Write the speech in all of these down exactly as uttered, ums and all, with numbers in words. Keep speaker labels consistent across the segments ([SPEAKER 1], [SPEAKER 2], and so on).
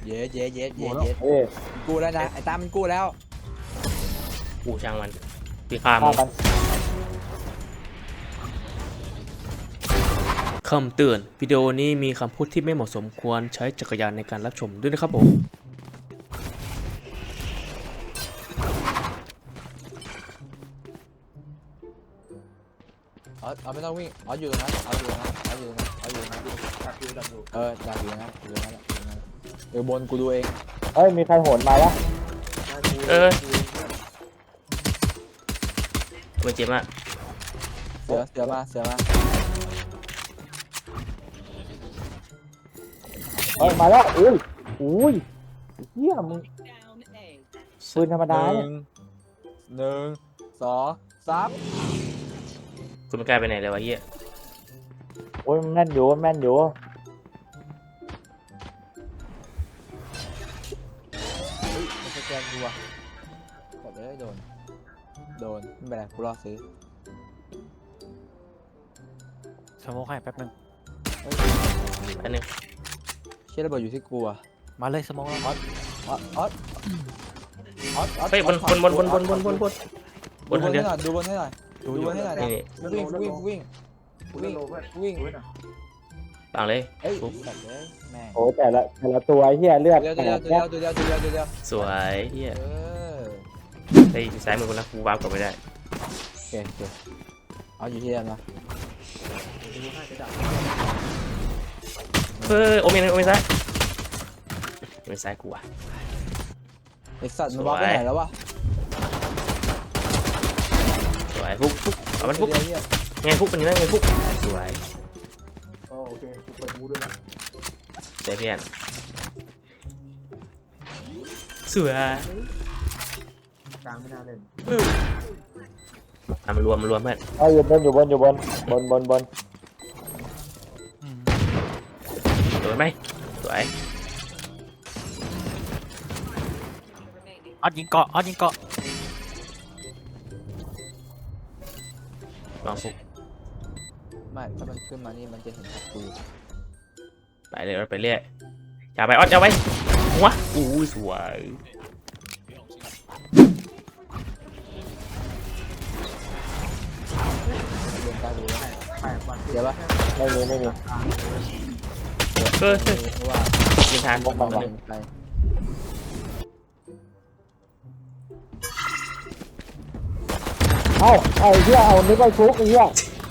[SPEAKER 1] เย้เย้เย้เย้เย้
[SPEAKER 2] เอ้ย
[SPEAKER 1] กูแล้วนะไอ้ตามันกูแล้ว
[SPEAKER 3] กูช่างมันพี่ข้ามึ
[SPEAKER 2] ฆ่าง กัน
[SPEAKER 3] คำเตือนวิดีโอนี้มีคำพูดที่ไม่เหมาะสมควรใช้จักรยานในการรับชมด้วยนะครับผม
[SPEAKER 1] อ๋อเอาไม่ต้องวิ่งอ๋ออยู่ตรงนั้นเอาอยู่ตรงนั้นเอาอยู่ตรงนั้นเอาอยู่ตรงนั้นเอออยากอยู่ตรงนั้นอยู่ตรงนั้นอยู่ตรงนั้นเออบนกูดูเอง
[SPEAKER 2] เฮ้ยมีใครโหนมาแล้ว
[SPEAKER 3] เออมันเจ็บมาก
[SPEAKER 1] เสือเสือมาเสือมา
[SPEAKER 2] เฮ้ยมาแล้วอุ้ยอุ้ยเฮียมึงปืนธรรม
[SPEAKER 1] ห
[SPEAKER 2] ดา
[SPEAKER 1] นึ่
[SPEAKER 2] เนี่ย
[SPEAKER 1] งหนึ่งสองสาม
[SPEAKER 3] คุณไม่กล้าไปไหนเลยวะเฮีย
[SPEAKER 2] โอ้ยมันแม่นอยู่มันแม่นอยู่
[SPEAKER 1] เฮ้ยมันสแกนกูว่ะกดเลยโดนโดนไม่เป็นไรกูรอซื้อ
[SPEAKER 4] สโมกให้แป๊บนึง
[SPEAKER 3] อันนึง
[SPEAKER 1] เชี่ยระเบิดอยู่ที่กูอ่ะ
[SPEAKER 4] มาเลยสโมกแล้ว
[SPEAKER 1] ออสออสออสออส
[SPEAKER 3] เฮ้ยบนบนบนบนบนบนบนบนบนทางเดียว
[SPEAKER 1] ดูบนให้หน่อยดูบนให้หน่อยดูบนให้หน่อยนะ
[SPEAKER 3] นี่นี่
[SPEAKER 1] วิ่งวิ่งวิ่งวิ่งวิ่ง
[SPEAKER 3] ปังเลย
[SPEAKER 1] เฮ้ย
[SPEAKER 3] ปุ๊บ
[SPEAKER 1] สัตว์เลยแม่ง
[SPEAKER 2] โอ้ยแต่ละแต่ละตัวเฮียเลือด
[SPEAKER 1] เดี๋ยว
[SPEAKER 2] แต
[SPEAKER 1] เดี๋ยว
[SPEAKER 2] ก
[SPEAKER 1] เดี๋ยวเดี๋ยวเดี๋ยวเดี๋ยวเดี๋ยว
[SPEAKER 3] สวยเฮีย
[SPEAKER 1] เออ
[SPEAKER 3] เฮ้ยซ้ายมือคนนะกูวาร์ปกลับไม่ได้
[SPEAKER 1] โอเคโอเคเอาอยู่ที่เดิมนะ
[SPEAKER 3] เฮ้ยโอเมนโอเมนซ้ายโอเมนซ้ายกูอ่ะ
[SPEAKER 1] ไอสัตว์มันวางไปไหนแล้ววะ
[SPEAKER 3] สวยฟุกฟุกเอามันฟุก
[SPEAKER 1] เดี๋ยวเดี๋ยว
[SPEAKER 3] ไงฟุกเป็นยังไงไงฟุกสวย
[SPEAKER 2] โอเคกูเปิดมูด้วยนะ
[SPEAKER 3] เซเพียนสวย
[SPEAKER 2] กลางไม่น่าเล่น
[SPEAKER 3] อ่ะมันรวมมันรวมเพื่อน
[SPEAKER 2] เอ้ยอยู่บนอยู่บนอยู่บนบนบนบน
[SPEAKER 3] สวยไหมสวย
[SPEAKER 4] ออดยิงเกาะออดยิงเกาะ
[SPEAKER 3] ลองฟุก
[SPEAKER 1] ไม่ถ้ามันขึ้นมานี่มันจะเห็นกู
[SPEAKER 3] ไปเลยไปเรื่อยอย่าไปออดอย่าไปหัวอู้สวย
[SPEAKER 1] เรียนตาดูแล้วเดี๋ยวปะ
[SPEAKER 2] ไม่มีไม่มี
[SPEAKER 3] เฮ้ย
[SPEAKER 1] เพราะว่า
[SPEAKER 3] ยิงทาน
[SPEAKER 2] พวกมัน
[SPEAKER 1] ไป
[SPEAKER 2] วะ
[SPEAKER 1] ไป
[SPEAKER 2] เอ้าเอาเฮียเอานึกว่าชุกไอ้เฮีย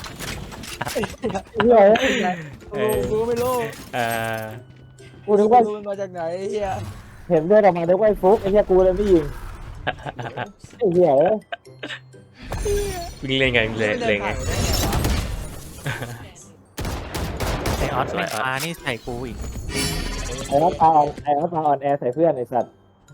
[SPEAKER 2] เฮีย
[SPEAKER 1] โอ้กูไม่รู้
[SPEAKER 3] เอ่อ
[SPEAKER 2] กูนึกว่า
[SPEAKER 1] มันมาจากไหนเฮีย
[SPEAKER 2] เห็นเลือดออกมานึกว่าฟุกไอ้เฮียกูเลยไม่ยิงไอ้เฮียเอ้ย
[SPEAKER 3] วิ่งเล่นไงวิ่งเล่นเล่นไง
[SPEAKER 4] ไอออดไม่มานี่ใส่กูอีก
[SPEAKER 2] ไอ้น้ำตาอ่อนไอ้น้ำตาอ่อนแอใส่เพื่อนไอ้สัตว์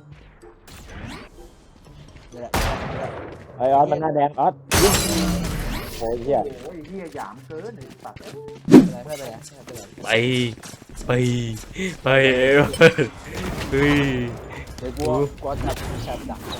[SPEAKER 1] นี่แหละ
[SPEAKER 2] ไอ้ออสมันหน้าแดงออสยิงโอ้ยเฮีย
[SPEAKER 1] ไม่เป็นไรไม่เป็นไรไม่เป็นไร
[SPEAKER 3] ไปไปไปเฮ้ย
[SPEAKER 1] เดี๋ยวกูกูจับจับดัก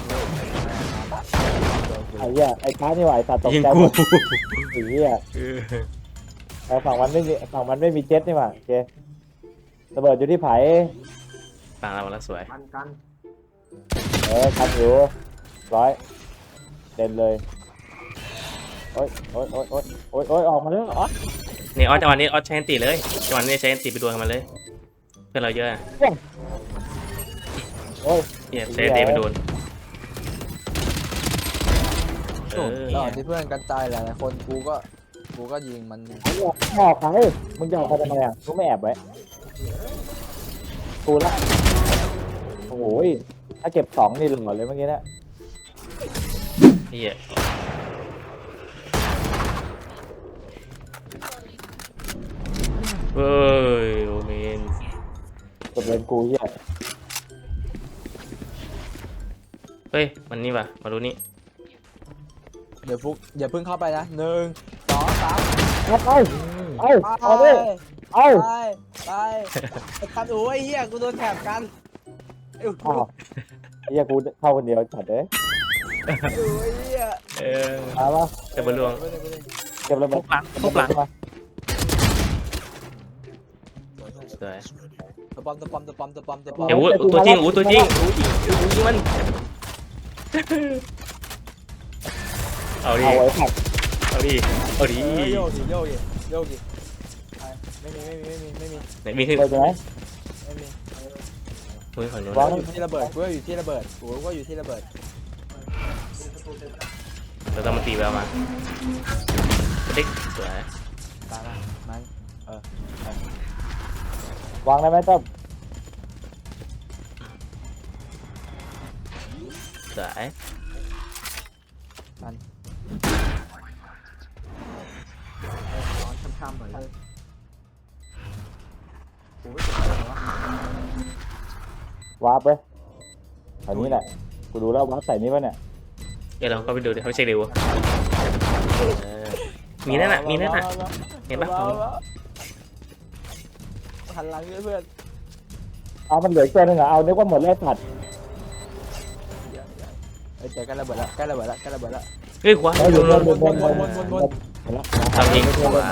[SPEAKER 2] ไอ้เฮียไอ้ค้านี่หว่าไอ้สัตว์ตก
[SPEAKER 3] ยิง
[SPEAKER 2] ใจ
[SPEAKER 3] กู
[SPEAKER 2] หมดไอ้เฮียไอ้ฝั่งมันไม่มีฝั่งมันไม่มีเจ็ตนี่หว่าโอเคระเบิดอยู่ที่ไผ่
[SPEAKER 3] ปังแล้วปังแล้วสวย
[SPEAKER 2] เออทันอยู่ร้อยเด่นเลยโอ๊ยโอ๊ยโอ๊ยโอ๊ยโอ๊ยโอ๊ยออกมาแล้วออส
[SPEAKER 3] นี่ออสจังหวะนี้ออสใช้แอนติเลยจังหวะนี้ใช้แอนติไปดวลกันมาเลยเพื่อนเราเยอะ
[SPEAKER 2] โอ๊ย
[SPEAKER 3] เนี่ยใช้แอนติไปดวลเออ
[SPEAKER 1] แล้วที่เพื่อนกันตายหลายๆคนกูก็กูก็ยิงมัน
[SPEAKER 2] ไอ้เนี่ยออกใครมึงจะออกไปทำไมอ่ะมึงไม่แอบไว้กูละโอ้ยถ้าเก็บสองนี่หล่อเลยเมื่อกี้นะ
[SPEAKER 3] เฮียเฮ้ยโอเมน
[SPEAKER 2] กดเลนกูเฮีย
[SPEAKER 3] เฮ้ยมันนี่ป่ะมาดูนี่
[SPEAKER 1] เดี๋ยวฟุกอย่าเพิ่งเข้าไปนะหนึ่งสองสาม
[SPEAKER 2] เอาไปเอา
[SPEAKER 1] ไป
[SPEAKER 2] เอาดิเอา
[SPEAKER 1] ไปไปไอ้กันโอ้ยเฮียกูโดนแถบกันไอ้
[SPEAKER 2] อ้าวเฮียกูเข้าคนเดียวจัดเลย
[SPEAKER 1] โอ้ยเฮีย
[SPEAKER 3] เออ
[SPEAKER 2] มาปะ
[SPEAKER 3] จะบอลลวง
[SPEAKER 2] เก็บระเบิ
[SPEAKER 4] ทุ
[SPEAKER 2] ด
[SPEAKER 4] กหลังทุกหลัง
[SPEAKER 2] มา
[SPEAKER 3] สวย
[SPEAKER 1] เตัวปอมตัวปอมตัวปอมตัวปอมตัวปอม
[SPEAKER 3] เดี๋ยวอู้ตัวจริงอู้ตัวจริงอู้ยิงอู้ยิงมันเอาดิ
[SPEAKER 2] เอาไว้ผัด
[SPEAKER 3] เอาดิเอาดิ
[SPEAKER 1] เออโยกดิโยกดิโยกดิไปไม่มีไม่มีไม่มีไม่มี
[SPEAKER 3] ไหนมีขึ้น
[SPEAKER 2] เปิดไหม
[SPEAKER 1] ไม่มี
[SPEAKER 3] เฮ้ยฝั่งนู้น
[SPEAKER 2] วาง
[SPEAKER 1] อยู่ที่ระเบิดกูก็อยู่ที่ระเบิดกูก็อยู่ที่ระเบิด
[SPEAKER 3] เราต้องมาตีแววมาติ๊กสวย
[SPEAKER 1] ตามมามันเออ
[SPEAKER 2] วางได้ไหมต้อม
[SPEAKER 3] สวย
[SPEAKER 1] ช้ำๆหน่อยเลยกูไม่สนใจวะ
[SPEAKER 2] วาร์ปไปแถวนี้แหละกูดูแล้ววาร์ปใส่นี่ป่ะเนี่ย
[SPEAKER 3] เดี๋ยวเราก็ไปดูดิเขาเช็คเร็วเออมีนั่นน่ะมีนั่นน่ะเห็นปะของ
[SPEAKER 1] หันหลังเพื่อน
[SPEAKER 2] เอามันเหลืออีกตัวหนึงเหรอเอานึกว่าหมดแล้วสัตว์
[SPEAKER 1] เอ้ยเจอกันระเบิดแล้วใกล้ระเบิดแล้วใกล้ระเบิดแล้ว
[SPEAKER 3] เฮ้ยขวา
[SPEAKER 2] เฮ้ยหมดหมดหมดหมดหมด
[SPEAKER 1] วนวนวนวน
[SPEAKER 2] หมดแล้ว
[SPEAKER 3] ทำยิงสวย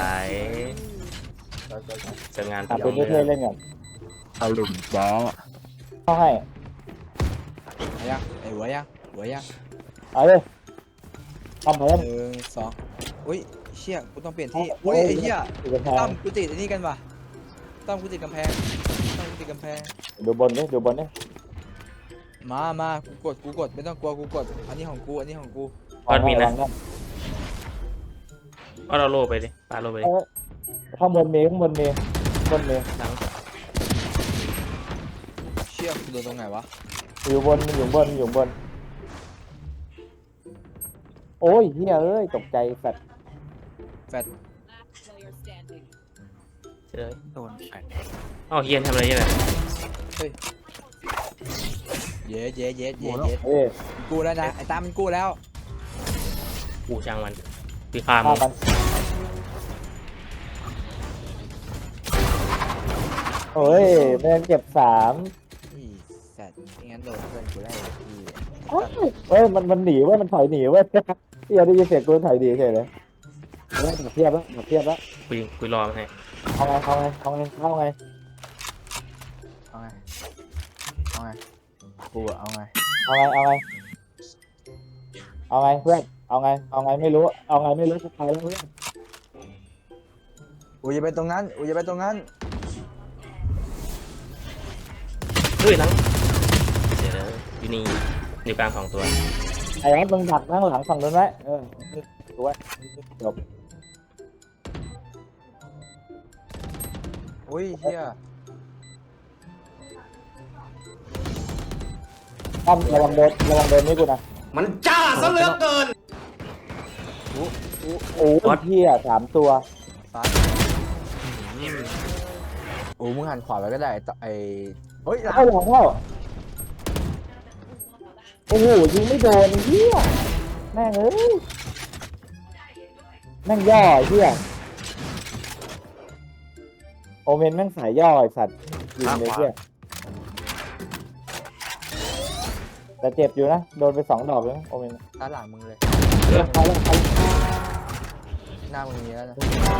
[SPEAKER 3] เสร็จงาน
[SPEAKER 2] อ่ะเป็นเพื่อนๆเล่นกัน
[SPEAKER 1] เอาหลุมบอ
[SPEAKER 2] เข้าให้
[SPEAKER 1] ไอ้ยังไอ้หัวยังหัวยัง
[SPEAKER 2] เอาเลยทำเพิ่ม
[SPEAKER 1] หนึ่งสองอุ้ยเชี่ยกูต้องเปลี่ยนที่อุ้ยไอ้เหี้ย
[SPEAKER 2] ติดกำแพง
[SPEAKER 1] ตั้มกูติดไอ้นี่กันป่ะตั้มกูติดกำแพงตั้มกูติดกำแพง
[SPEAKER 2] ดูบนนี่ดูบนนี่
[SPEAKER 1] มามากูกดกูกดไม่ต้องกลัวกูกดอันนี้ของกูอันนี้ของกู
[SPEAKER 3] ออดมีนะ
[SPEAKER 2] วางได้
[SPEAKER 3] ออดเอาโลไปดิปาโลไปดิ
[SPEAKER 2] เออข้างบนมีข้างบนมีข้างบนมี
[SPEAKER 3] หลัง
[SPEAKER 1] เชี่ยกูโดนตรงไหนวะ
[SPEAKER 2] อยู่บนอยู่บนอยู่บนโอ้ยเฮียเอ้ยตกใจสัตว์
[SPEAKER 3] เจอ
[SPEAKER 4] โดนแฟน
[SPEAKER 3] อ้าวเฮียนทำอะไรเนี่ย
[SPEAKER 1] เย้เย้เย้เย้เย้
[SPEAKER 2] เอ้ย
[SPEAKER 1] กูแล้วนะไอ้ตั้มมันกูแล้ว
[SPEAKER 3] กูช่างมันตีข้าม
[SPEAKER 2] ฆ่ามันโอ้ยแม่งเก็บสาม
[SPEAKER 1] อีสัตว์ไม่งั้นโดนเพื่อนกูได้ที่
[SPEAKER 2] เฮ้ยมันมันหนีเว้ยมันถอยหนีเว้ยเฮียได้ยินเสียงกูถอยหนีเฉยเลยเฮ้ยดับเทียบแล้วดับเทียบแล้ว
[SPEAKER 3] กูยิงกูรอมันให้
[SPEAKER 2] เอาไงเอาไงเอาไงเอาไง
[SPEAKER 1] เอาไงเอาไงกูอะเอาไง
[SPEAKER 2] เอาไงเอาไงเอาไงเพื่อนเอาไงเอาไงไม่รู้เอาไงไม่รู้สุดท้ายแล้วเพื่อน
[SPEAKER 1] อูอย่าไปตรงนั้นอูอย่าไปตรงนั้น
[SPEAKER 3] เฮ้ยหลังเดี๋ยวอยู่นี่อยู่กลางสองตัว
[SPEAKER 2] ไอ้แอ๊ดมึงดักนั่งหลังฝั่งนู้นไว้เออดูไว้จบ
[SPEAKER 1] อุ้ยเฮีย
[SPEAKER 2] ตั้มระวังโดนระวังโดนนี่กูนะ
[SPEAKER 5] มันจ้าซะเหลือเกิน
[SPEAKER 2] โอ้ยเฮียสามตัว
[SPEAKER 1] ซ้ายอูมึงหันขวาไปก็ได้ไอ้ตไอ้เฮ้ยหลัง
[SPEAKER 2] เข้าหลังเข้าโอ้โหยิงไม่โดนเฮียแม่งเอ้ยแม่งย่อเฮียโอเมนแม่งสายย่อไอสัตว์ยิงเลยเฮียแต่เจ็บอยู่นะโดนไปสองดอกเลยนะโอเมน
[SPEAKER 1] ด้านหลังมึงเลย
[SPEAKER 2] เลือกเขาเลือกเขา
[SPEAKER 1] หน้ามึงมีแล้วนะ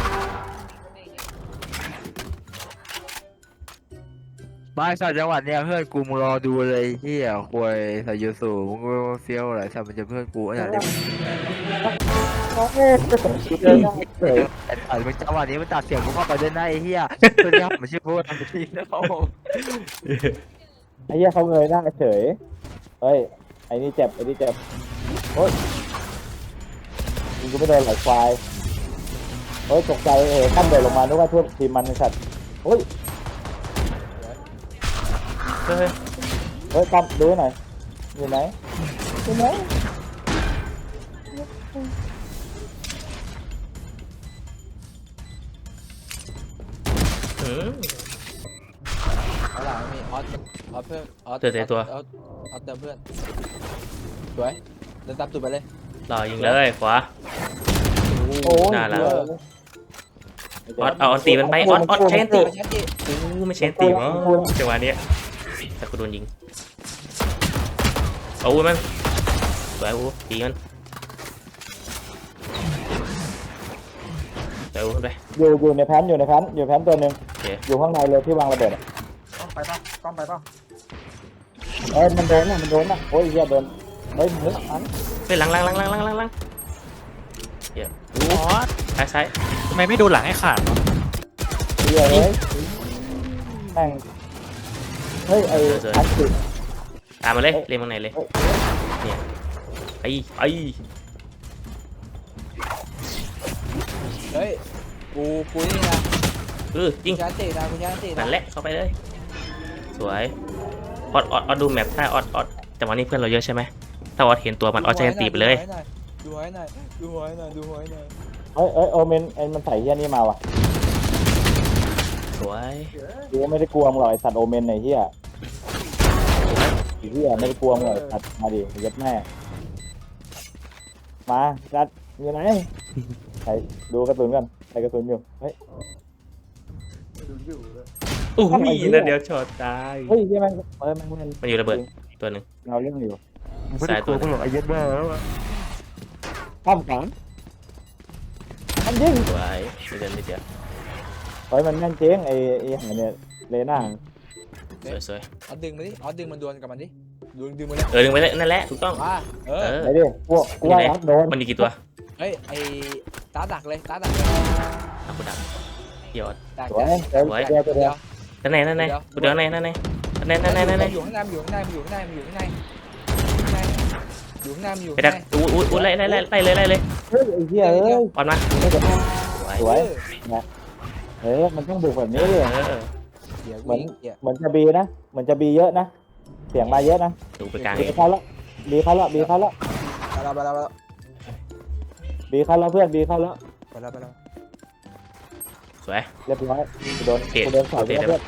[SPEAKER 6] บ้านสัตว์จังหวัดเนี่ยเพื่อนกูมึงรอดูเลยเฮียควยใส่ยูสูมึงก็เฟี้ยวอะไรสัตว์มันจะเพื่อนกูอันนี้
[SPEAKER 2] โอ้โหเจอหน้าเฉย
[SPEAKER 6] ไอ้สัตว์มันจังหวะนี้มันตัดเสียงกูเข้าไปด้วยนะไอ้เฮียตัวนี้มันชื่อพูดทำทีนะเขา
[SPEAKER 2] ไอ้เหี้ยเขาเงยหน้าเฉยเฮ้ยไอ้นี่เจ็บไอ้นี่เจ็บโอ๊ยยิงกูไม่โดนไหลควายโอ๊ยตกใจเออตั้มเดินลงมานึกว่าทั่วทีมมันไอ้สัตว์โอ๊ย
[SPEAKER 3] เฮ้ย
[SPEAKER 2] เฮ้ยตั้มดูหน่อยอยู่ไหนอยู่ไหน
[SPEAKER 3] อืม
[SPEAKER 1] เอาหลังมีออสออสเพื่อนออส
[SPEAKER 3] เจอแต่ตัว
[SPEAKER 1] ออสออสเติมเพื่อนสวยเดินตามตูดไปเลย
[SPEAKER 3] รอยิงเลยขวา
[SPEAKER 2] โอ้ย
[SPEAKER 3] น่ารัก
[SPEAKER 2] เหี้ย
[SPEAKER 3] ออดเอาออนตีมันไปออดออดใช้อันตี
[SPEAKER 1] ไม่ใช่ดิ
[SPEAKER 3] อู้ไม่ใช่อันตีมั้งจังหวะเนี้ยแต่กูโดนยิงเอาอู้มันสวยอู้ตีมันสวยอู้ขึ้นไป
[SPEAKER 2] อยู่อยู่ในแพนอยู่ในแพนอยู่ในแพนตัวหนึ่ง
[SPEAKER 3] โอเค
[SPEAKER 2] อยู่ข้างในเลยที่วางระเบิดอะ
[SPEAKER 1] ไป
[SPEAKER 6] ต้องไปป่ะ
[SPEAKER 2] เอ้ยมันโดนนะมันโดนนะโอ้ยเฮียโดนเฮ้ยมึงอัน
[SPEAKER 3] เฮ้ยหลังหลังหลังหลังหลังหลังหลัง
[SPEAKER 4] ออส
[SPEAKER 3] ซ้ายซ้าย
[SPEAKER 4] ทำไมไม่ดูหลังให้ขาดวะ
[SPEAKER 2] เฮียเฮ้ยแม่งเฮ้ยไอ้อันติด
[SPEAKER 3] ตามมาเลยเรียงมาไหนเลยเนี่ยไอ้ไอ้
[SPEAKER 1] เฮ้ยกูกูนี่นะ
[SPEAKER 3] เออยิง
[SPEAKER 1] กูชาร์จเตะนะกูชาร์จเตะนะ
[SPEAKER 3] นั่นแหละเข้าไปเลยสวยออดออดออดดูแมปถ้าออดออดจังหวะนี้เพื่อนเราเยอะใช่ไหมถ้าออดเห็นตัวมันออดจะยันตีไปเลย
[SPEAKER 1] ดูไว้หน่อยดูไว้หน่อยดูไว้หน่อย
[SPEAKER 2] เฮ้ยเอ้ยโอเมนไอ้มันใส่เฮียนี่มาว่ะ
[SPEAKER 3] สวย
[SPEAKER 2] กูไม่ได้กลัวมึงหรอกไอ้สัตว์โอเมนไอ้เฮียไอ้เฮียไม่ได้กลัวมึงหรอกไอ้สัตว์มาดิยัดแม่มาจัดอยู่ไหนใส่ดูกระสุนกันใส่กระสุนอยู่เฮ้ย
[SPEAKER 3] อู้ยนั่นเดี๋ยวช็อตตาย
[SPEAKER 2] เฮ้ยเฮียแม่งเออแม่งแม่ง
[SPEAKER 3] มันอยู่ระเบิดตัวหนึ่ง
[SPEAKER 2] เราเรื่องอยู่
[SPEAKER 3] สายตัวหนึ่ง
[SPEAKER 6] ไอ้ยัดแม่แล้วอะ
[SPEAKER 2] ข้ามขันมันยิง
[SPEAKER 3] สวยไม่เดินไม่เดียว
[SPEAKER 2] เฮ้ยมันแม่นเจ๊งไอ้ไอ้หาเนี่ยเลน่า
[SPEAKER 3] สวยสวย
[SPEAKER 1] เอาดึงมาดิเอาดึงมันดวลกับมันดิดึงดึงมาเลย
[SPEAKER 3] เออดึงไปเลยนั่นแหละถูกต้อง
[SPEAKER 1] มาเอ
[SPEAKER 3] เอ
[SPEAKER 1] อ
[SPEAKER 3] อ
[SPEAKER 2] ไอ้ดิกูกูว่ารับโดน
[SPEAKER 3] มันมีกี่ตัว
[SPEAKER 1] เฮ้ยไอ้ตาดักเลยตาดักเลย
[SPEAKER 3] เอากูดักเดี๋ยว
[SPEAKER 1] ดัก
[SPEAKER 2] สวยเดี๋ยว
[SPEAKER 3] สวย
[SPEAKER 2] เดี๋ยวเดี๋ยว
[SPEAKER 3] นั่นไหนนั่นไหนกูเดี๋ยวไหนนั่นไหนนั่นไหนนั่นไหนนั่นไหน
[SPEAKER 1] อยู่ข้างในอยู่ข้างในอยู่ข้างในอยู่ข้างในข้างในอยู่ข้างในอยู่
[SPEAKER 3] ไป
[SPEAKER 1] ข้าง
[SPEAKER 3] ดัก
[SPEAKER 1] ใน
[SPEAKER 3] อู้อู้อู้ไล่ไล่ไล่ไล่เลยไล่เลย
[SPEAKER 2] เฮ้ยไอ้เหี้ยเอ้ย
[SPEAKER 3] ออนมา
[SPEAKER 2] ไม่จะ
[SPEAKER 3] สวย
[SPEAKER 2] สวยเออมันต้องบุกแบบนี้เลย
[SPEAKER 3] เออ
[SPEAKER 1] เดี๋ยว
[SPEAKER 2] เหมือน
[SPEAKER 1] เดี๋ยว
[SPEAKER 2] เหมือนจะบีนะเหมือนจะบีเยอะนะเสียงมาเยอะนะ
[SPEAKER 3] ดูไปกลาง
[SPEAKER 2] บี
[SPEAKER 3] เอง
[SPEAKER 2] เขาละบีเขาละบีเขาละ
[SPEAKER 1] ไปแล้วไปแล้วไปแล้ว
[SPEAKER 2] บีเขาละเพื่อนบีเขาละ
[SPEAKER 1] ไปแล้วไปแล้ว
[SPEAKER 3] สวย
[SPEAKER 2] เรียบร้อยกูโดน
[SPEAKER 3] เตะ
[SPEAKER 2] กูโดนสอย
[SPEAKER 3] เตะ
[SPEAKER 2] เพื่อน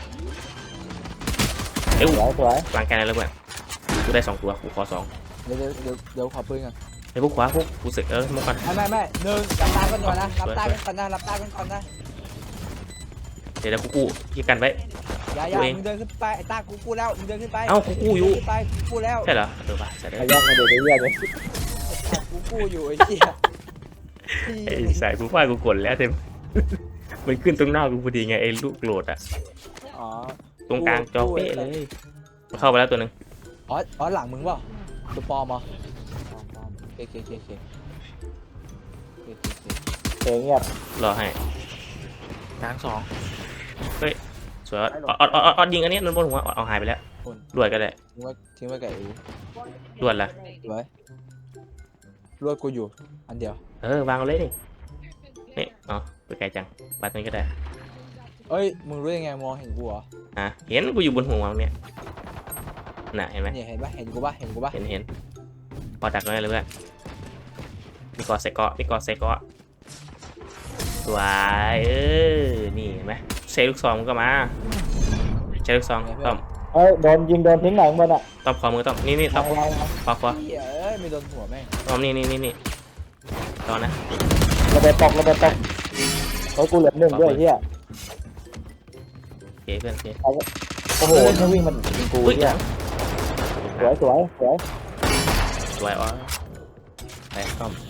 [SPEAKER 3] เอ้ย
[SPEAKER 2] สวยสวย
[SPEAKER 3] กลางแกนอะไรเพื่อนกูได้สองตัวกูขอสอง
[SPEAKER 1] เดี๋ยวเดี๋ยวเดี๋ยวเดี๋ยวขอปืนก่อน
[SPEAKER 3] ไอ้พวกขวาพวกกูสึกเออมุกกัน
[SPEAKER 1] ไม่ไม่ไม่หนึ่งรับตากันก่อนนะรับตากันก่อนนะรับตากันก่อนนะ
[SPEAKER 3] เดี๋ยวกูกู้ยี่กันไว้
[SPEAKER 1] อย่าอย่ามึงเดินขึ้นไปไอ้ตากูกู้แล้วมึงเดินขึ้นไป
[SPEAKER 3] เอ้ากูกู้อยู่
[SPEAKER 1] ขึ้นไปกูกู้แล้ว
[SPEAKER 3] ใช่เหรอเออป่ะใช่ได้
[SPEAKER 2] ไอ้ย่างมาเด็กไอ้เหี้ยเนี่ย
[SPEAKER 1] กูกู้อยู่ไอ้เหี้ย
[SPEAKER 3] ไอ้สายกูว่ากูกดแล้วเต็มมันขึ้นตรงหน้ากูพอดีไงไอ้ลูกโหลดอะ
[SPEAKER 1] อ๋อ
[SPEAKER 3] ตรงกลางจอเป๊ะเลยเข้าไปแล้วตัวหนึ่ง
[SPEAKER 1] อ๋ออ๋อหลังมึงเปล่าตัวปลอมเหรอปลอมปลอมเคเคเคเคเคเคเค
[SPEAKER 2] เสียงเงียบ
[SPEAKER 3] รอให้
[SPEAKER 4] กลางสอง
[SPEAKER 3] สวยออดออดออดออดยิงอันนี้นั่นบนหัวเอาหายไปแล้ว
[SPEAKER 1] คน
[SPEAKER 3] รวดก็ได้
[SPEAKER 1] ทิ้งไว้ทิ้งไว้กับไอ้
[SPEAKER 3] รวดละ
[SPEAKER 1] ไว้รวดกูอยู่อันเดียว
[SPEAKER 3] เออวางเอาเลยนี่นี่อ๋อไปไกลจังบัดนี้ก็ได้
[SPEAKER 1] เอ้ยมึงรู้ยังไงมองเห็นกูเหรอ
[SPEAKER 3] อ่ะเห็นกูอยู่บนหัวเนี่ยน่ะเห็นไหม
[SPEAKER 1] เนี่ยเห็นปะเห็นกูปะเห็นกูปะ
[SPEAKER 3] เห็นเห็นพอดักไว้เลยเพื่อนมีกอดใส่เกาะมีกอดใส่เกาะสวยเออนี่เห็นไหมใช้ลูกซองมันก็มาใช้ลูกซองต้อม
[SPEAKER 2] เอ้ยโดนยิงโดนทิ้งหลังมันอ่ะ
[SPEAKER 3] ต้อมคอมือต้อมนี่นี่ต้อม
[SPEAKER 2] เอาเอา
[SPEAKER 3] คอคอ
[SPEAKER 1] เหี้ยเอ้ยไม่โดนหัวแม่ง
[SPEAKER 3] ต้อมนี่นี่นี่นี่ตอนนะ
[SPEAKER 2] ระเบิดตกระเบิดตกเฮ้ยกูเหลือหนึ่งด้วยเฮีย
[SPEAKER 3] โอเคเพื่อนโอเค
[SPEAKER 2] โอ้โหไม่วิ่งมันยิงกู
[SPEAKER 3] อุ้ย
[SPEAKER 2] เฮียสวยสวยสวย
[SPEAKER 3] สวยอ๋อไปต้อม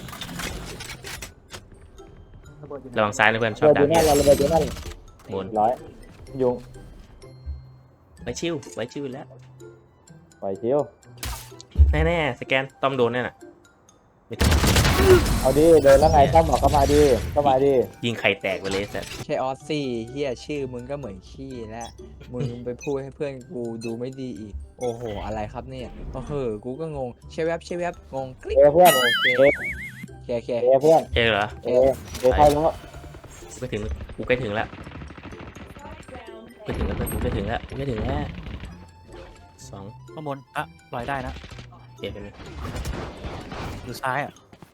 [SPEAKER 3] ระวังซ้ายนะเพื่อนชอบ
[SPEAKER 2] ระ
[SPEAKER 3] ดั
[SPEAKER 2] เบิ
[SPEAKER 3] ก
[SPEAKER 2] ดอยู่
[SPEAKER 3] เนี่ย
[SPEAKER 2] นั่นระเบิดอยู่นั่น
[SPEAKER 3] บน
[SPEAKER 2] ร้อยยุง
[SPEAKER 3] ไว้ชิวไว้ชิวแล้ว
[SPEAKER 2] ปล่อยชิว
[SPEAKER 3] แน่ๆสแกนต้อมโดนแน่น่ะไม่ต้อง
[SPEAKER 2] เอาดิเดินแล้วไงต้องบอกเข้ามาดิเข้ามาดิ
[SPEAKER 3] ยิงไข่แตกไปเลยสัตว์
[SPEAKER 1] แค่ออสซี่เฮียชื่อมึงก็เหมือนขี้แล้วมึงไปพูดให้เพื่อนกูดูไม่ดีอีกโอ้โหอะไรครับเนี่ยโอ้โหกูก็งงใช่แวบใช่แวบงงคลิก
[SPEAKER 2] เอเพื่อน
[SPEAKER 1] โอเค
[SPEAKER 2] เอ
[SPEAKER 1] แคแค
[SPEAKER 2] เอเพื่อน
[SPEAKER 3] เอเหรอ
[SPEAKER 2] เอเอเข้าแล้ว
[SPEAKER 3] กูใกล้ถึงกูใกล้ถึงแล้วใกล้ถึงแล้วเพื่อนกูใกล้ถึงแล้วกูใกล้ถึงแล้วสอง
[SPEAKER 4] ข้างบนอ่ะลอยได้นะ
[SPEAKER 3] เจ็ดเป็น
[SPEAKER 4] อยู่ซ้ายอ่ะ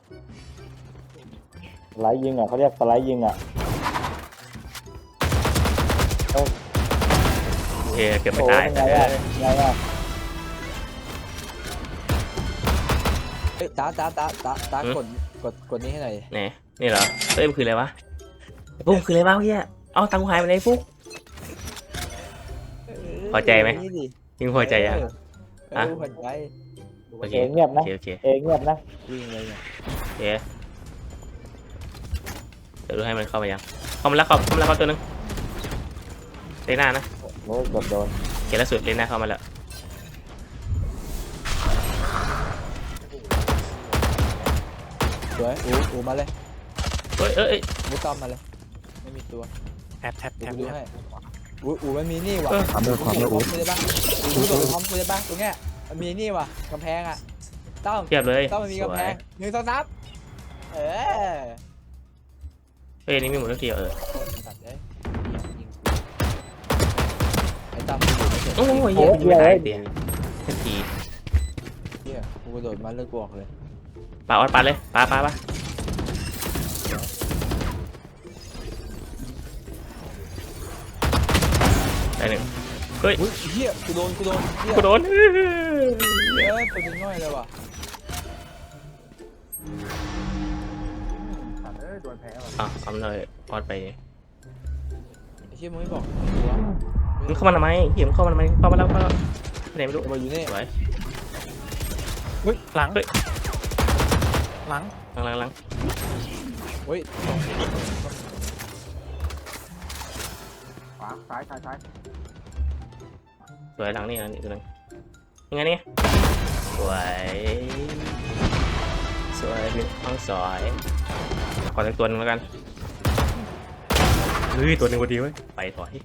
[SPEAKER 2] สไลด์ยิงอ่ะเขาเรียกสไลด์ยิงอ่ะ
[SPEAKER 3] เอเกือบไม่
[SPEAKER 2] โอ้
[SPEAKER 3] ตาย
[SPEAKER 2] ย
[SPEAKER 3] แต่
[SPEAKER 2] ไง
[SPEAKER 3] เอ
[SPEAKER 2] อ่ะ
[SPEAKER 3] อ
[SPEAKER 2] ไงอ่ะ
[SPEAKER 1] เอ้ยตาตาตาตาตากดกดกดนี้ให้หน่อย
[SPEAKER 3] ไหนนี่เหรอเอ้ยมันคืออะไรวะไอ้ปุ๊กคืออะไรวะเมื่อกี้เอาตังค์กูหายไปไหนปุ๊ก พอใจไหม
[SPEAKER 1] นี่ดิ
[SPEAKER 3] ยิงพอใจยัง
[SPEAKER 1] เออ
[SPEAKER 3] ฮะ
[SPEAKER 1] พอใจ
[SPEAKER 3] โอเค
[SPEAKER 2] เอเงียบ
[SPEAKER 3] โอ
[SPEAKER 2] นะ
[SPEAKER 3] เคโอเค
[SPEAKER 2] เอเงียบนะ
[SPEAKER 1] วิ่งเลยเนี่ย
[SPEAKER 3] โอเคเดี๋ยวดูให้มันเข้ามายังเข้ามาแล้วเข้าเข้ามาแล้วเข้าตัวหนึงเตะหน้านะ
[SPEAKER 2] โอ้ยกดโดน
[SPEAKER 3] เกมล่าสุดเล่นหน้าเข้ามาแล้ว
[SPEAKER 1] สวยอูอูมาเลย
[SPEAKER 3] เฮ้ยเอ้ย
[SPEAKER 1] มุดต้อมมาเลยไม่มีตัว
[SPEAKER 4] แท็บแท็บ
[SPEAKER 1] เดี๋ย
[SPEAKER 4] แท็
[SPEAKER 1] ว
[SPEAKER 4] บ
[SPEAKER 1] กูดูให้อูอูมันมีนี่ว่ะ
[SPEAKER 3] เออ
[SPEAKER 6] ความเร็วความเร็ว
[SPEAKER 1] พร้อมกูได้ปะอูโดดพร้อมกูได้ปะตรงเนี้ยมันมีนี่ว่ะกำแพงอ่ะต้อม
[SPEAKER 3] เทียบเลย
[SPEAKER 1] ต้อมมันมี
[SPEAKER 3] ส
[SPEAKER 1] กำ
[SPEAKER 3] ว
[SPEAKER 1] แพ
[SPEAKER 3] ย
[SPEAKER 1] งหนึ่งสองสามเออ
[SPEAKER 3] เฮ้ยนี่มีหมดทุกทีเออ
[SPEAKER 1] สัตว์เอ้ยยิงกูไอ้ต้อมกูอยู่ไม่เสร็จ
[SPEAKER 3] โอ้ยเหี้ยยิงไม่ตายเตียทันที
[SPEAKER 1] เฮียกูกระโดดมาเลิกกูออกเลย
[SPEAKER 3] ปาออดปาเลยปาปาปาได้หนึ่งเฮ้ย
[SPEAKER 1] อุ้ยเฮียกูโดนกูโดนเฮีย
[SPEAKER 3] กูโดน
[SPEAKER 1] เฮ้ยเป็นง่อยเลยว่ะ
[SPEAKER 3] อ่ะเอามันเลยออดไป
[SPEAKER 1] ไอ้เชี่ยมึงไม่บอกกูวะ
[SPEAKER 3] มึงเข้ามาทำไมเหี้ยมึงเข้ามาทำไมเข้ามาแล้วเข้ามาแล้วไปไหนไม่รู้
[SPEAKER 1] มาอยู่นี่
[SPEAKER 3] สวย
[SPEAKER 4] หลัง
[SPEAKER 3] เฮ้ย
[SPEAKER 4] หลัง
[SPEAKER 3] หลังหลังหลัง
[SPEAKER 1] เฮ้ย
[SPEAKER 6] ขวาซ้ายซ้ายซ้าย
[SPEAKER 3] สวยหลังนี่หลังนี่ตัวนึงยังไงนี่สวยสวยหนึ่งห้องสวยขอสักตัวหนึงแล้วกันเฮ้ยตัวหนึงพอดีเว้ยไปถอย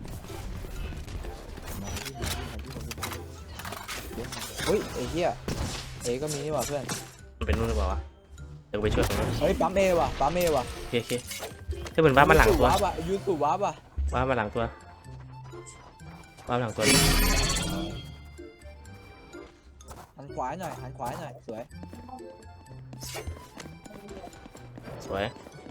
[SPEAKER 1] เฮ้ยไอ้เหี้ยเอก็มีนี่ว่ะเพื่อน
[SPEAKER 3] มันเป็นนู่นหรือเปล่าวะเดี๋ยวกูไปช่วยตรงนู้น
[SPEAKER 1] เฮ้ยปั๊มเอว่ะปั๊มเอว่ะ
[SPEAKER 3] โอเคโอเคถ้าเป็นบ้านมาหลังตัว
[SPEAKER 1] ยูสูบวับอ่ะยูสูบวับอ่ะ
[SPEAKER 3] บ้านมาหลังตัวบ้านหลังตัว
[SPEAKER 1] หันขวาหน่อยหันขวาหน่อยสวย
[SPEAKER 3] สวย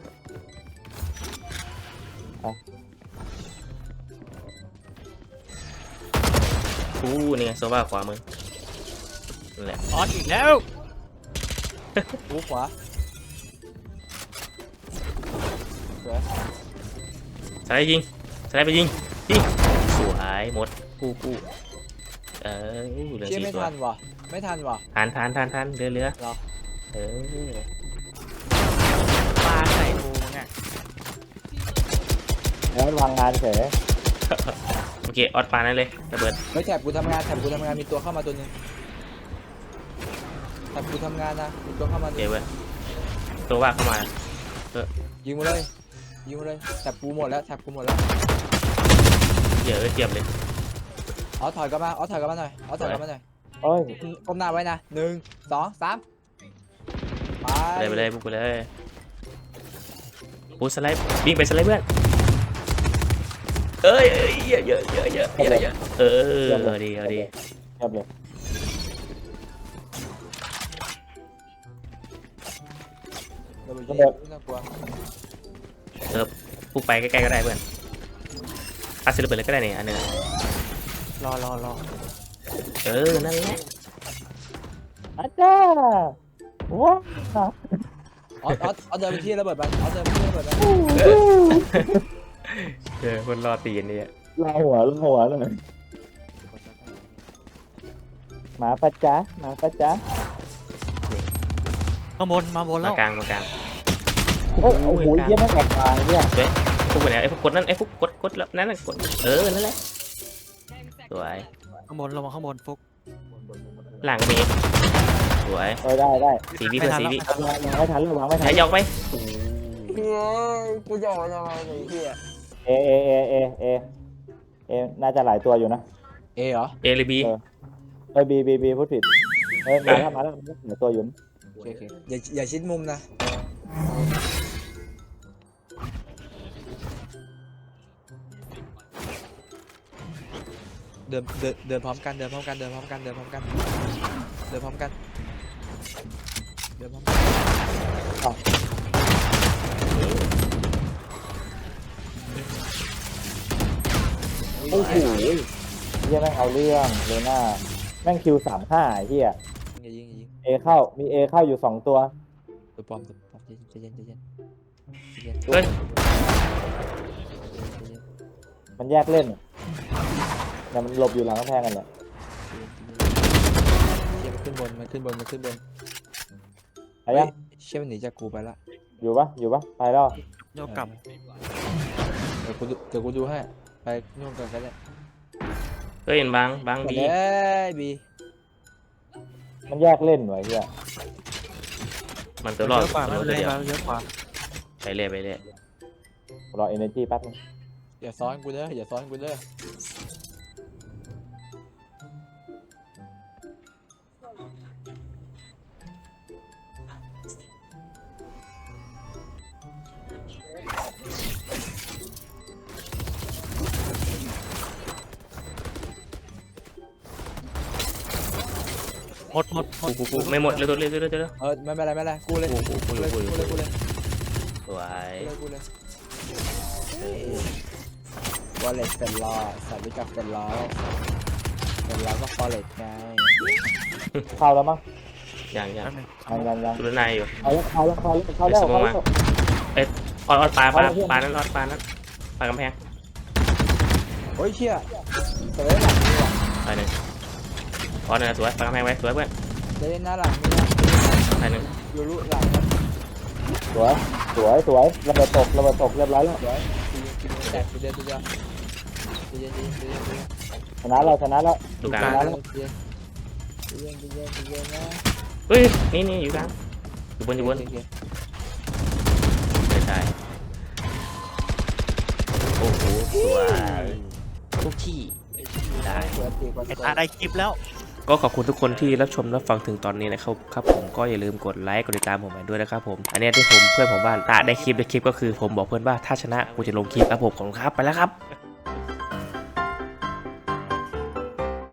[SPEAKER 3] อู้นี่ไงโซฟาขวามือนั่นแหละ
[SPEAKER 4] ออดอีกแล้ว
[SPEAKER 1] กูขวาสวย
[SPEAKER 3] สไลด์ยิงสไลด์ไปยิงยิงสวยหมดกู้กู้เออเหลือ
[SPEAKER 1] เชี่ย
[SPEAKER 3] สี่
[SPEAKER 1] ไม่
[SPEAKER 3] ตัว
[SPEAKER 1] ทันว่ะไม่ทันว่ะ
[SPEAKER 3] ทานทานทานทานเรือเรือ
[SPEAKER 1] เหรอ
[SPEAKER 3] เออ
[SPEAKER 4] ปลาใส่กูเนี่ย
[SPEAKER 2] แล้ววางงานเฉย
[SPEAKER 3] โอเคออดปานั่นเลยระเบิด
[SPEAKER 1] เฮ้ยแถบกูทำงานแถบกูทำงานมีตัวเข้ามาตัวหนึงแถบกูทำงานนะมีตัวเข้ามา
[SPEAKER 3] โอ
[SPEAKER 1] ตัว
[SPEAKER 3] เค
[SPEAKER 1] หนึ่ง
[SPEAKER 3] เว้ยตัวว่าเข้ามา
[SPEAKER 1] ยิงมาเลยยิงมาเลยแถบกูหมดแล้วแถบกูหมดแล้ว
[SPEAKER 3] เยอะเทียบเลย
[SPEAKER 1] เอาถอยกลับมาเอาถอยกลับมาหน่อยเอาถอยกลับมาหน่อย
[SPEAKER 2] โอ้ย
[SPEAKER 1] ก้มหน้าไว้นะหนึ่งสองสามไป
[SPEAKER 3] ไปเลยไปเลยปุ๊บไปเลยปุ๊บสไลด์วิ่งไปสไลด์เพื่อนเอ้ยเอ้ยเยอะเยอะเยอะเยอะเยอะเยอะเออเอาดีเอาดี
[SPEAKER 2] เรียบเลย
[SPEAKER 1] ระเบิดเยอะน่ากลัว
[SPEAKER 3] ปุ๊บไปใกล้ๆก็ได้เพื่อนอาศิลป์ระเบิดเลยก็ได้นี่อันหนึง
[SPEAKER 4] รอรอรอ
[SPEAKER 3] เออนั่นแหละ
[SPEAKER 2] อาจารย์ว้าว
[SPEAKER 1] ออสออสออสเดินไปที่ระเบิดมันออสเดินไปที่ระเบิดมัน
[SPEAKER 3] เออคนรอตีนนี่
[SPEAKER 2] ลาหัวลาหัวเลยหมาปะจ๊ะหมาปะจ๊ะ
[SPEAKER 4] มาบนมาบนแล้
[SPEAKER 3] มาว กลางมากลาง
[SPEAKER 2] โอ้โหเยี่ยมมากกว่าเนี่ย
[SPEAKER 3] พวกไปไหนไอ้พวกกดนั่นไอ้พวกกดกดแล้วนั่นน่ะกดเออนั่นแหละสวย
[SPEAKER 4] ข้างบนลงมาข้างบนฟุก
[SPEAKER 3] หลังมีสวย
[SPEAKER 2] เออได้ได้
[SPEAKER 3] สีวิเพื่อนสีวิ
[SPEAKER 2] วางไม่ทันวางไม่ทั
[SPEAKER 3] ใช้
[SPEAKER 2] น
[SPEAKER 3] ยอกไหม
[SPEAKER 1] เฮ้ยกูจะออกยังไงไอ้เหี้ย
[SPEAKER 2] เอเอเอเอเอเอน่าจะหลายตัวอยู่นะ
[SPEAKER 1] เอเหรอ
[SPEAKER 3] เอหรือบี
[SPEAKER 2] เอ้ยบีบีบีพูดผิดเอ้ยมาแล้วมาแล้วหลายตัวอยู่นะ
[SPEAKER 1] โอเคโอเคอย่าอย่าชิดมุมนะเดินเดินเดินพร้อมกันเดินพร้อมกันเดินพร้อมกันเดินพร้อมกันเดินพร้อมกันเดินพร้อมกัน
[SPEAKER 2] โอ้โหเฮียแม่งเอาเรื่องเลยหน้าแม่งคิวสามห้าเฮีย
[SPEAKER 1] อย่ายิงอย่ายิง
[SPEAKER 2] เอเข้ามีเอเข้าอยู่สองตัว
[SPEAKER 1] ตัวปลอมตัวปลอมใจเย็นใจเย็นใจเย็น
[SPEAKER 3] เฮ้ย
[SPEAKER 2] มันแยกเล่นแต่มันหลบอยู่หลังกำแพงกันแหละ
[SPEAKER 1] เชี่ยมันขึ้นบนมันขึ้นบนมันขึ้นบน
[SPEAKER 2] ไปยัง
[SPEAKER 1] เชี่ยมันหนีจากกูไปละ
[SPEAKER 2] อยู่ปะอยู่ปะไปแล้ว
[SPEAKER 4] โยกกลับ
[SPEAKER 1] เดี๋ยวกูดูเดี๋ยวกูดูให้ไปนู่นกันก็ได้
[SPEAKER 3] ไปเฮ้ยเห็นบางบาง
[SPEAKER 1] เฮ้
[SPEAKER 3] ดี
[SPEAKER 1] ยบี
[SPEAKER 2] มันแยกเล่นไว้เฮีย
[SPEAKER 3] มันตั
[SPEAKER 4] เยว
[SPEAKER 3] รอด
[SPEAKER 4] อะกว่า
[SPEAKER 3] มัน
[SPEAKER 4] ไม่
[SPEAKER 3] ตัว
[SPEAKER 4] เป็นไร
[SPEAKER 3] เดียว
[SPEAKER 4] เราเยอะกว่า
[SPEAKER 3] ไปเรื่อยไปเรื่อย
[SPEAKER 2] รอเอเนจีแป๊บนึง
[SPEAKER 1] อย่าซ้อนกูเด้ออย่าซ้อนกูเด้อ
[SPEAKER 4] หมดหมดหม
[SPEAKER 3] กู
[SPEAKER 4] ด
[SPEAKER 3] กูกูไม่หมดเร็วเร็วเร็วเร็วเร็ว
[SPEAKER 1] เออไม่เป็นไรไม่เป็นไรกูเลย
[SPEAKER 3] กูกูกู
[SPEAKER 1] กู
[SPEAKER 3] เล
[SPEAKER 1] เลย ย
[SPEAKER 3] กู
[SPEAKER 1] กู
[SPEAKER 3] เล
[SPEAKER 1] เลย ยกูเลย
[SPEAKER 3] สวย
[SPEAKER 1] กูเลยวอลเล็ตเป็นล้อสัตว์รู้จักเป็นล้อเป็นล้อก็ฟอลเล็ตไง
[SPEAKER 2] เข้าแล้วมั้ง
[SPEAKER 3] ยังยัง
[SPEAKER 4] แป๊บนึง
[SPEAKER 2] ยังยังยัง
[SPEAKER 3] ดูด้านในอยู่
[SPEAKER 2] เอาแล้วเข้าแล้วเข้าแล้วเข้าแล้วเข้าแล้ว
[SPEAKER 3] ออดออดปลาปลาปลานั้นออดปลานั้นปลากำแพง
[SPEAKER 1] โอ้ยเชี่ยเสวยหลังนี่ว่ะ
[SPEAKER 3] ไปหนึ่งออดนะสวยปลากำแพงไว้สวยเพื่อน
[SPEAKER 1] เล่นหน้าหลังนี่นะ
[SPEAKER 3] ไปหนึ่ง
[SPEAKER 1] ยูรุหลังนะ
[SPEAKER 2] สวยสวยสวยระเบิดตกระเบิดตกเรียบร้อยแล้ว
[SPEAKER 1] เดี๋ยวกินกินแตกกูเดียวกูเดียวกูเย็นกูเย็นกูเย็นกูเย็น
[SPEAKER 2] ชนะแล้วชนะแล้ว
[SPEAKER 3] ดูกลาง
[SPEAKER 1] กูเย็นกูเย็นกูเย็นกูเย็นนะ
[SPEAKER 3] เฮ้ยนี่นี่อยู่กลางอยู่บนอยู่บน
[SPEAKER 1] โอเค
[SPEAKER 3] ไม่ใช่โอ้โหสวยทุกที่ได้
[SPEAKER 1] เปิดตีก่อน
[SPEAKER 4] ไอ้ตาได้คลิปแล้ว
[SPEAKER 3] ก็ขอบคุณทุกคนที่รับชมรับฟังถึงตอนนี้นะครับครับผมก็อย่าลืมกดไลค์กดติดตามผมไปด้วยนะครับผมอันนี้ที่ผมเพื่อนผมว่าตาได้คลิปได้คลิปก็คือผมบอกเพื่อนว่าถ้าชนะกูจะลงคลิปครับผมขอบคุณครับไปแล้วครับ